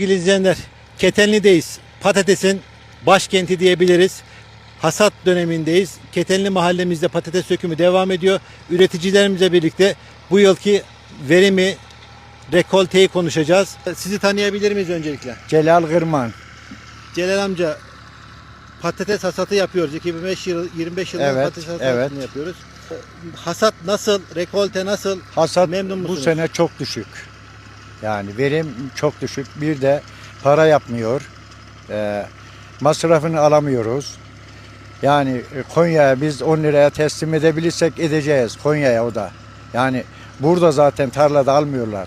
Sevgili izleyenler, Ketenli'deyiz. Patatesin başkenti diyebiliriz. Hasat dönemindeyiz. Ketenli mahallemizde patates dökümü devam ediyor. Üreticilerimizle birlikte bu yılki verimi, rekolteyi konuşacağız. Sizi tanıyabilir miyiz öncelikle? Celal Kırman. Celal amca, patates hasatı yapıyoruz. 25 yıldır Evet, patates hasatını evet. yapıyoruz. Hasat nasıl? Rekolte nasıl? Hasat Memnun bu musunuz? sene çok düşük. Yani verim çok düşük. Bir de para yapmıyor. Masrafını alamıyoruz. Yani Konya'ya biz 10 liraya teslim edebilirsek edeceğiz. Konya'ya o da. Yani burada zaten tarlada almıyorlar.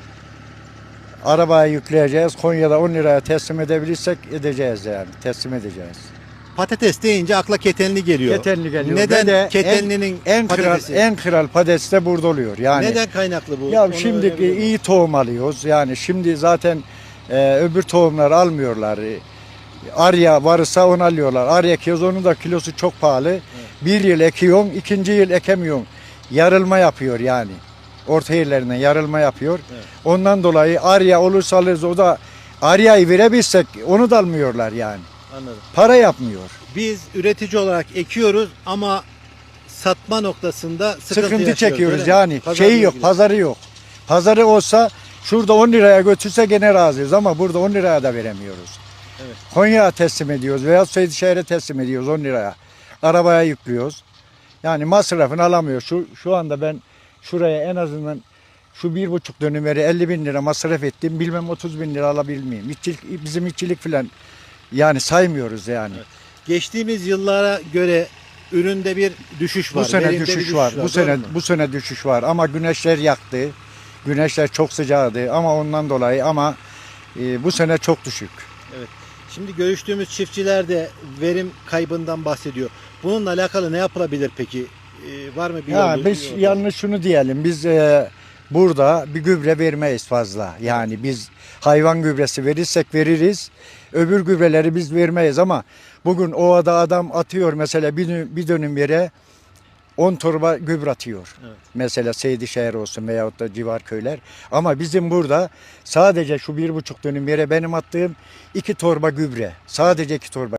Arabaya yükleyeceğiz. Konya'da 10 liraya teslim edebilirsek edeceğiz yani. Teslim edeceğiz. Patates deyince akla Ketenli geliyor. Ketenli geliyor. Neden Ve de Ketenli'nin en patatesi? kral patates de burada oluyor. Yani Neden kaynaklı bu? ya Onu şimdi öğrenebilir miyim? iyi tohum alıyoruz. Yani şimdi zaten öbür tohumları almıyorlar. Arya varsa onu alıyorlar. Arya ekiyoruz, onun da kilosu çok pahalı. Evet. Bir yıl ekiyorsun, ikinci yıl ekemiyorsun. Yarılma yapıyor yani. Orta yerlerinden yarılma yapıyor. Evet. Ondan dolayı Arya olursa alırız. O da Arya'yı verebilsek onu da almıyorlar yani. Anladım. Para yapmıyor. Biz üretici olarak ekiyoruz ama satma noktasında sıkıntı yaşıyoruz, çekiyoruz öyle mi? yani. Pazarla Şeyi yok, ilgili. pazarı yok. Pazarı olsa şurada 10 liraya götürse gene razıyız ama burada 10 liraya da veremiyoruz. Evet. Konya'ya teslim ediyoruz veya Seydişehir'e teslim ediyoruz 10 liraya. Arabaya yüklüyoruz. Yani masrafını alamıyor. Şu anda ben şuraya en azından şu 1,5 dönümleri 50 bin lira masraf ettim. Bilmem 30 bin lira alabilir miyim? Bizim işçilik falan yani saymıyoruz yani. Evet. Geçtiğimiz yıllara göre üründe bir düşüş var. Bu sene verimde bir düşüş var. doğru mu? Bu sene düşüş var ama güneşler yaktı. Güneşler çok sıcaktı ama ondan dolayı bu sene çok düşük. Şimdi görüştüğümüz çiftçiler de verim kaybından bahsediyor. Bununla alakalı ne yapılabilir peki? Var mı bir Ya yolu? biz yalnız şunu diyelim, biz burada bir gübre vermeyiz fazla. Yani biz hayvan gübresi verirsek veririz, öbür gübreleri biz vermeyiz ama bugün ovada adam atıyor mesela bir dönüm yere 10 torba gübre atıyor. Evet. Mesela Seydişehir olsun veyahut da civar köyler. Ama bizim burada sadece şu 1,5 dönüm yere benim attığım 2 torba gübre. Sadece 2 torba.